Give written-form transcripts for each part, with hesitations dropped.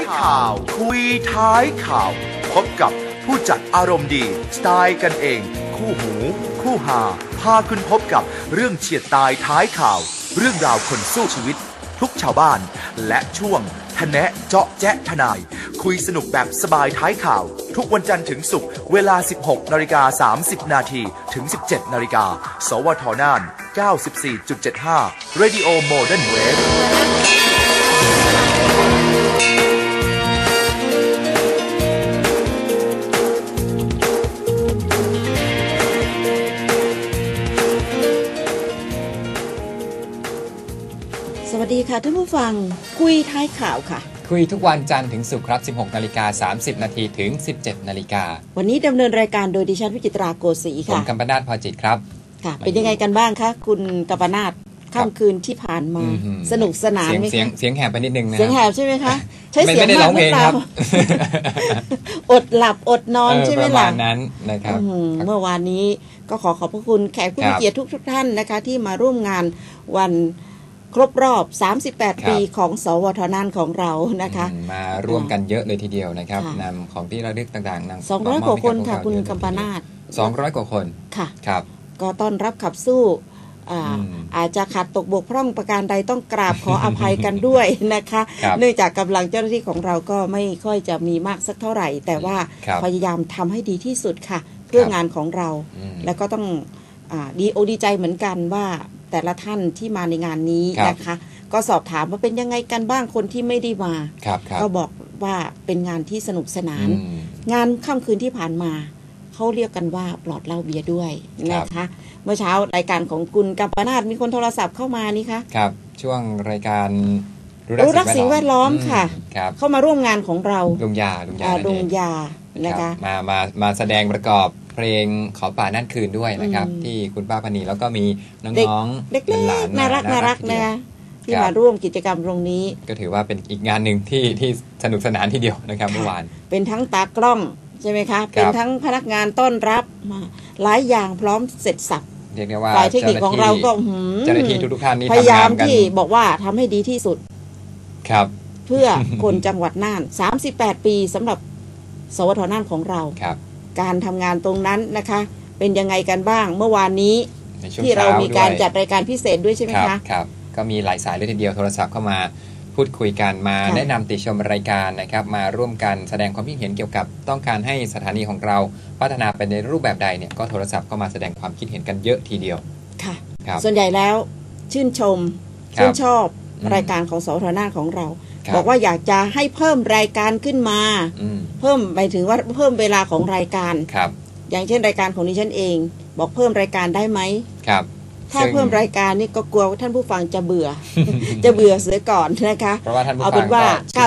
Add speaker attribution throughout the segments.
Speaker 1: ข่าวคุยท้ายข่าวพบกับผู้จัดอารมณ์ดีสไตล์กันเองคู่หูคู่หาพาคุณพบกับเรื่องเฉียดตายท้ายข่าวเรื่องราวคนสู้ชีวิตทุกชาวบ้านและช่วงทะแนะเจาะแจ๊ะทนายคุยสนุกแบบสบายท้ายข่าวทุกวันจันทร์ถึงศุกร์เวลา 16:30 นาทีถึง 17 นาฬิกาสวทน่าน 94.75 Radio Modern Wave
Speaker 2: สวัสดีค่ะท่านผู้ฟังคุยท้ายข่าวค่ะ
Speaker 3: คุยทุกวันจันทร์ถึงศุกร์ครับ 16:30 นาทีถึง 17 นาฬิกา
Speaker 2: วันนี้ดำเนินรายการโดยดิฉันวิจิตราโกสีค่ะ
Speaker 3: ผมกัมปนาทพอจิตครับ
Speaker 2: ค่ะเป็นยังไงกันบ้างคะคุณกัมปนาทค่ำคืนที่ผ่านมาสนุกสนานไหมคะ
Speaker 3: เสียงแหบไปนิดนึงนะ
Speaker 2: เสียงแหบใช่ไหมคะใช้เสียงมากหรือเปล่าอดหลับอดนอนใช่ไหมล่ะ
Speaker 3: ประมาณนั้นนะครับ
Speaker 2: เมื่อวานนี้ก็ขอบพระคุณแขกผู้มีเกียรติทุกท่านนะคะที่มาร่วมงานวันครบรอบ38ปีของสวทน่านของเรานะคะ
Speaker 3: มาร่วมกันเยอะเลยทีเดียวนะครับนำของที่ระลึกต่างๆนำ
Speaker 2: 200 กว่าคนค่ะคุณกัมปนาท
Speaker 3: 200 กว่าคน
Speaker 2: ค่ะ
Speaker 3: ครับ
Speaker 2: ก็ต้อนรับขับสู้อาจจะขาดตกบกพร่องประการใดต้องกราบขออภัยกันด้วยนะคะเนื่องจากกำลังเจ้าหน้าที่ของเราก็ไม่ค่อยจะมีมากสักเท่าไหร่แต่ว่าพยายามทำให้ดีที่สุดค่ะเพื่องานของเราแล้วก็ต้องดีใจเหมือนกันว่าแต่ละท่านที่มาในงานนี้นะคะก็สอบถามว่าเป็นยังไงกันบ้างคนที่ไม่ได้มาก็บอกว่าเป็นงานที่สนุกสนานงานค่ำคืนที่ผ่านมาเขาเรียกกันว่าปลอดเหล้าเบียร์ด้วยนะคะเมื่อเช้ารายการของคุณกัมปนาทมีคนโทรศัพท์เข้ามานี่คะ
Speaker 3: ครับช่วงรายการ
Speaker 2: รู้รักสิ่งแวดล้อมค่ะเข้ามาร่วมงานของเรา
Speaker 3: ลุงยา
Speaker 2: นะคะ
Speaker 3: มาแสดงประกอบเพลงขอป่านั่นคืนด้วยนะครับที่คุณป้าพนีแล้วก็มีน้อง
Speaker 2: ๆเล็กๆน่ารักนะคะที่มาร่วมกิจกรรมตรงนี้
Speaker 3: ก็ถือว่าเป็นอีกงานหนึ่งที่สนุกสนานทีเดียวนะครับเมื่อวาน
Speaker 2: เป็นทั้งตากล้องใช่ไหมคะเป็นทั้งพนักงานต้อนรับหลายอย่างพร้อมเสร็จสับ
Speaker 3: เรียกได้ว่า
Speaker 2: ฝ่ายเทคนิคของเราก็
Speaker 3: เจ้าหน้าที่ทุกท่านนี่
Speaker 2: พยายามที่บอกว่าทำให้ดีที่สุด
Speaker 3: ครับ
Speaker 2: เพื่อคนจังหวัดน่าน38ปีสำหรับสวทน่านของเราการทำงานตรงนั้นนะคะเป็นยังไงกันบ้างเมื่อวานนี้ที่เรามีการจัดรายการพิเศษด้วยใช่ไหมคะ
Speaker 3: ครับก็มีหลายสายเลยทีเดียวโทรศัพท์เข้ามาพูดคุยกันมาแนะนำติชมรายการนะครับมาร่วมกันแสดงความคิดเห็นเกี่ยวกับต้องการให้สถานีของเราพัฒนาไปในรูปแบบใดเนี่ยก็โทรศัพท์เข้ามาแสดงความคิดเห็นกันเยอะทีเดียว
Speaker 2: ค่ะส่วนใหญ่แล้วชื่นชมชื่นชอบรายการของสวทน่านของเราบอกว่าอยากจะให้เพิ่มรายการขึ้นมาเพิ่มไปถึงว่าเพิ่มเวลาของรายการอย่างเช่นรายการของดิฉันเองบอกเพิ่มรายการได้ไหมถ้าเพิ่มรายการนี่ก็กลัวท่านผู้ฟังจะเบื่อเสียก่อนนะคะเอาเป็นว่า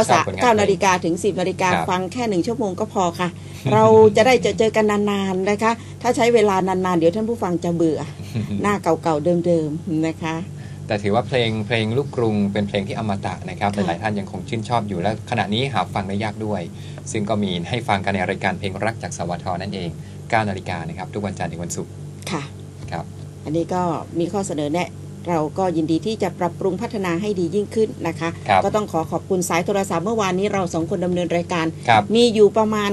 Speaker 2: 9 นาฬิกาถึง 10 นาฬิกาฟังแค่1 ชั่วโมงก็พอค่ะเราจะได้เจอกันนานๆนะคะถ้าใช้เวลานานๆเดี๋ยวท่านผู้ฟังจะเบื่อหน้าเก่าๆเดิมๆนะคะ
Speaker 3: แต่ถือว่าเพลงลูกกรุงเป็นเพลงที่อมตะนะครับหลายๆท่านยังคงชื่นชอบอยู่และขณะนี้หาฟังได้ยากด้วยซึ่งก็มีให้ฟังกันในรายการเพลงรักจากสวทนั่นเอง9 นาฬิกานะครับทุกวันจันทร์ถึงวันศุกร์
Speaker 2: ค่ะ
Speaker 3: ครับ
Speaker 2: อันนี้ก็มีข้อเสนอแนะเราก็ยินดีที่จะปรับปรุงพัฒนาให้ดียิ่งขึ้นนะคะก็ต้องขอบคุณสายโทรศัพท์เมื่อวานนี้เรา2คนดำเนินรายการมีอยู่ประมาณ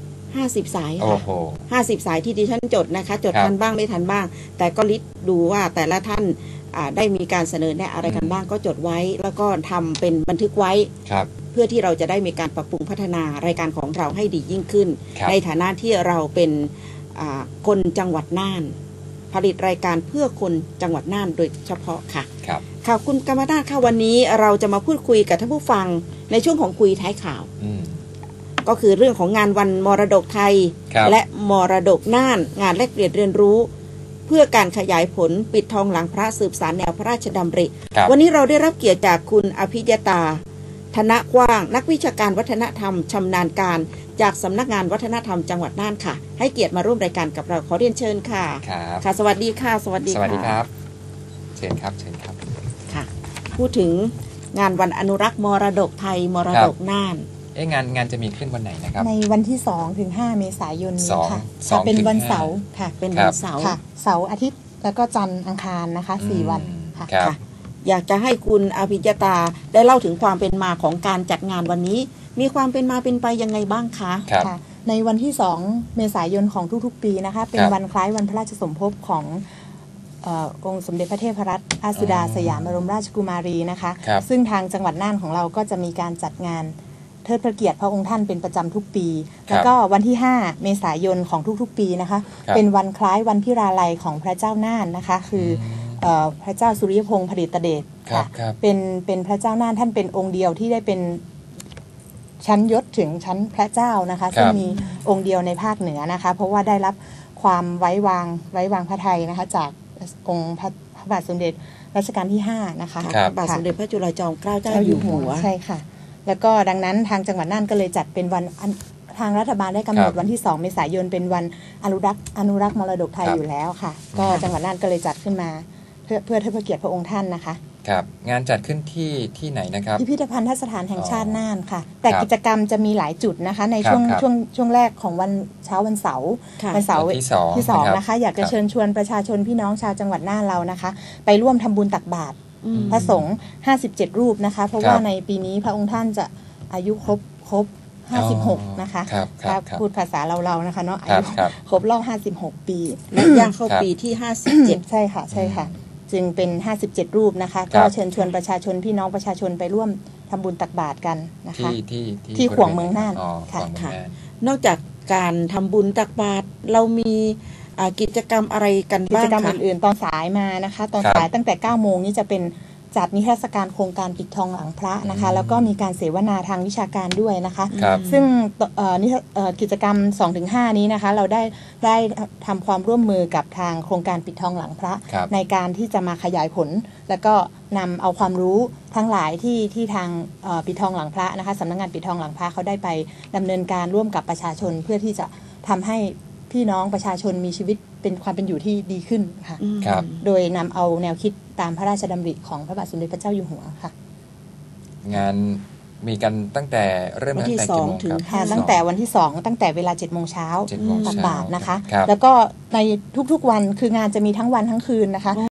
Speaker 2: 50 สายค่ะ50 สายที่ดิฉันจดนะคะจดทันบ้างไม่ทันบ้างแต่ก็ลิสต์ดูว่าแต่ละท่านได้มีการเสนอแนะอะไรกันบ้างก็จดไว้แล้วก็ทำเป็นบันทึกไว้เพื่อที่เราจะได้มีการปรับปรุงพัฒนารายการของเราให้ดียิ่งขึ้นในฐานะที่เราเป็นคนจังหวัดน่านผลิตรายการเพื่อคนจังหวัดน่านโดยเฉพาะค่ะค่ะคุณกัมปนาทค่ะวันนี้เราจะมาพูดคุยกับท่านผู้ฟังในช่วงของคุยท้ายข่าวก็คือเรื่องของงานวันมรดกไทยและมรดกน่านงานแลกเปลี่ยนเรียนรู้เพื่อการขยายผลปิดทองหลังพระสืบสานแนวพระราชดำริวันนี้เราได้รับเกียรติจากคุณอภิยตาธนกว้างนักวิชาการวัฒนธรรมชำนาญการจากสำนักงานวัฒนธรรมจังหวัดน่านค่ะให้เกียรติมาร่วมรายการกับเราขอเรียนเชิญค่ะค่ะสวัสดีค่ะสวัสดี
Speaker 3: ครับเชิญครับ
Speaker 2: ค่ะพูดถึงงานวันอนุรักษ์มรดกไทยมรดกน่าน
Speaker 3: งานจะมีขึ้นวันไหนนะครับ
Speaker 4: ในวันที่2 ถึง 5 เมษายนนี้ค่ะเป็นวันเสาร์ค่ะ
Speaker 2: เป็นวันเสาร์
Speaker 4: เสาร์อาทิตย์แล้วก็จันทร์อังคารนะคะ4 วันค่ะ
Speaker 2: อยากจะให้คุณอภิยตาได้เล่าถึงความเป็นมาของการจัดงานวันนี้มีความเป็นมาเป็นไปยังไงบ้างคะ
Speaker 3: ครับ
Speaker 4: ค่ะในวันที่ 2 เมษายนของทุกๆปีนะคะเป็นวันคล้ายวันพระราชสมภพขององค์สมเด็จพระเทพรัตนราชสุดาสยามบรมราชกุมารีนะคะ
Speaker 3: ครับ
Speaker 4: ซึ่งทางจังหวัดน่านของเราก็จะมีการจัดงานเทิดพระเกียรติพระองค์ท่านเป็นประจำทุกปี แล้วก็วันที่ 5 เมษายนของทุกๆปีนะคะ
Speaker 3: ครับ
Speaker 4: เป็นวันคล้ายวันพิราลัยของพระเจ้าน่านนะคะคือพระเจ้าสุริยพงษ์ผลิตเดช
Speaker 3: ครับ
Speaker 4: ค่ะ
Speaker 3: ครับ
Speaker 4: เป็นพระเจ้าน่านท่านเป็นองค์เดียวที่ได้เป็นชั้นยศถึงชั้นพระเจ้านะคะซึ่งมีองค์เดียวในภาคเหนือนะคะเพราะว่าได้รับความไว้วางพระทัยนะคะจากองค์พระบาทสมเด็จรัชกาลที่5นะคะ
Speaker 3: ครับ
Speaker 2: บาทสมเด็จพระจุลจอมเกล้าเจ้า
Speaker 4: เจ้า
Speaker 2: อ
Speaker 4: อยู่ ยู่
Speaker 2: หั
Speaker 4: หั
Speaker 2: ว
Speaker 4: วใช่ค่ะ แล้วก็ดังนั้นทางจังหวัดน่านก็เลยจัดเป็นวันทางรัฐบาลได้กำหนด
Speaker 3: ครับ
Speaker 4: วันที่ 2 เมษายนเป็นวันอนุรักษ์มรดกไทย
Speaker 3: ครับ
Speaker 4: อยู่แล้วค่ะ ก็จังหวัดน่านก็เลยจัดขึ้นมาเพื่อเทิดพระเกียรติพระองค์ท่านนะคะ
Speaker 3: ครับงานจัดขึ้นที่ไหนนะครับ
Speaker 4: พิพิธภัณฑสถานแห่งชาติ
Speaker 3: อ๋อ
Speaker 4: น่านค่ะ แต่
Speaker 3: ครับ
Speaker 4: กิจกรรมจะมีหลายจุดนะคะ ใน
Speaker 3: ครับ
Speaker 4: ช่วงแรกของวันเช้าวันเสาร์
Speaker 2: ค่ะ
Speaker 4: วันเสาร์
Speaker 3: วันที่สอง
Speaker 4: ที่ 2
Speaker 3: นะครับ
Speaker 4: นะคะ อยากจะ
Speaker 3: ครับ
Speaker 4: เชิญชวนประชาชนพี่น้องชาวจังหวัดน่านเรานะคะ ไปร่วมทำบุญตักบาตร
Speaker 2: อืม
Speaker 4: พระสงฆ์57 รูปนะคะ เพราะ
Speaker 3: ครับ
Speaker 4: ว่าในปีนี้พระองค์ท่านจะอายุครบ56 นะคะ
Speaker 3: ครับครับครับ
Speaker 4: พูดภาษาเราๆนะคะเนาะอา
Speaker 3: ครับ
Speaker 4: ยุ
Speaker 3: ครับ
Speaker 4: ครบรอบ56 ปี
Speaker 2: และย่างเข้า
Speaker 3: ครับ
Speaker 2: ปีที่
Speaker 4: ใช่ค่ะใช่ค่ะ จึงเป็น 57 รูปนะคะ
Speaker 3: ครั
Speaker 4: ก็
Speaker 3: บ
Speaker 4: เชิญชวนประชาชนพี่น้องประชาชนไปร่วมทำบุญตักบาตรกันนะคะ
Speaker 3: ที่
Speaker 4: ขวงเมืองน่าน
Speaker 3: อ๋อ
Speaker 4: ค่ะ
Speaker 3: ขวงเมือง
Speaker 2: ค่ะ
Speaker 3: น่าน
Speaker 2: 57 นอกจากการทำบุญตักบาตรเรามีกิจกรรมอะไรกัน
Speaker 4: กิ
Speaker 2: บ้า
Speaker 4: จ
Speaker 2: ง
Speaker 4: กรรม
Speaker 2: คะ
Speaker 4: อื่นๆ ตอนสายมานะคะ ตอน
Speaker 3: ครับ
Speaker 4: สายตั้งแต่ 9 โมงนี้จะเป็นจัดนิทรรศการโครงการปิดทองหลังพระนะคะ แล้วก็มีการเสวนาทางวิชาการด้วยนะคะ
Speaker 3: ครับ
Speaker 4: ซึ่งกิจกรรม 2-5 นี้นะคะ เราได้ทำความร่วมมือกับทางโครงการปิดทองหลังพระ
Speaker 3: ครับ
Speaker 4: ในการที่จะมาขยายผล แล้วก็นำเอาความรู้ทั้งหลายที่ทางปิดทองหลังพระนะคะสำนักงานปิดทองหลังพระเขาได้ไปดำเนินการร่วมกับประชาชนเพื่อที่จะทำให้พี่น้องประชาชนมีชีวิตเป็นความเป็นอยู่ที่ดีขึ้นค่ะ
Speaker 2: อืม
Speaker 3: ครับ
Speaker 4: โดยนำเอาแนวคิดตามพระราชดำริของพระบาทสมเด็จพระเจ้าอยู่หัวค่ะ
Speaker 3: งานมีกันตั้งแต่เริ่ม
Speaker 2: วันที่
Speaker 3: ตั้งแต่กี่โมง
Speaker 2: 2ถึง
Speaker 3: ครับ
Speaker 4: ตั้งแต่วันที่ 2 ตั้งแต่เวลา 7 โมงเช้า
Speaker 3: 7 โมง
Speaker 4: ตัก
Speaker 3: เช้า
Speaker 4: บาตรนะคะ
Speaker 3: ครับ
Speaker 4: แล้วก็ในทุกๆวันคืองานจะมีทั้งวันทั้งคืนนะคะ